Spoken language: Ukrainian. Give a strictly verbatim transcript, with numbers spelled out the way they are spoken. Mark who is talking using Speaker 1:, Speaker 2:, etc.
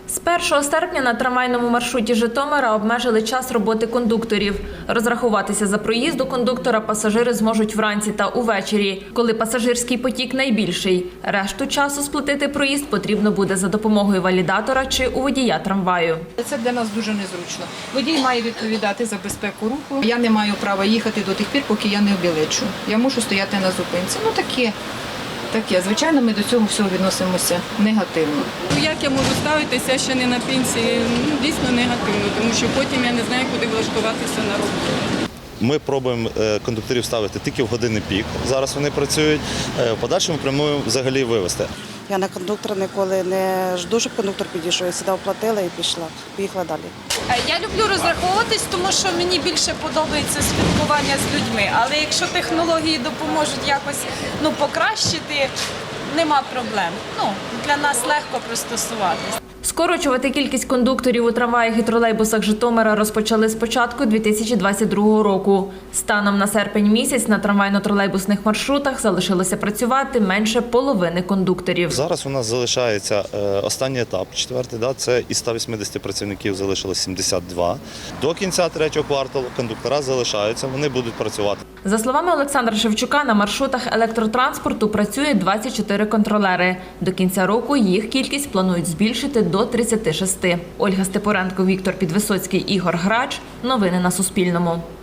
Speaker 1: З першого серпня на трамвайному маршруті Житомира обмежили час роботи кондукторів. Розрахуватися за проїзд у кондуктора пасажири зможуть вранці та увечері, коли пасажирський потік найбільший. Решту часу сплатити проїзд потрібно буде за допомогою валідатора чи у водія трамваю.
Speaker 2: Це для нас дуже незручно. Водій має відповідати за безпеку руху. Я не маю права їхати до тих пір, поки я не обілечу. Я мушу стояти на зупинці. Ну таке. Таке. Звичайно, ми до цього всього відносимося негативно.
Speaker 3: Як я можу ставитися ще не на пенсії? Ну, дійсно негативно, тому що потім я не знаю, куди влаштуватися на роботу.
Speaker 4: Ми пробуємо кондукторів ставити тільки в години пік. Зараз вони працюють. В подальшому плануємо взагалі вивезти.
Speaker 5: Я на кондуктора ніколи не жду, щоб кондуктор підійшов. Я сюди оплатила і пішла. Поїхала далі.
Speaker 6: Я люблю розраховуватись, тому що мені більше подобається спілкування з людьми. Але якщо технології допоможуть якось ну, покращити, нема проблем. Ну, для нас легко пристосуватись.
Speaker 1: Скорочувати кількість кондукторів у трамваях і тролейбусах Житомира розпочали з початку дві тисячі двадцять другого року. Станом на серпень місяць на трамвайно-тролейбусних маршрутах залишилося працювати менше половини кондукторів.
Speaker 4: Зараз у нас залишається останній етап, четвертий, да, це із ста вісімдесяти працівників залишилось сімдесят два. До кінця третього кварталу кондуктора залишаються, вони будуть працювати.
Speaker 1: За словами Олександра Шевчука, на маршрутах електротранспорту працює двадцять чотири контролери. До кінця року їх кількість планують збільшити до тридцяти шести. Ольга Степоренко, Віктор Підвисоцький, Ігор Грач. Новини на Суспільному.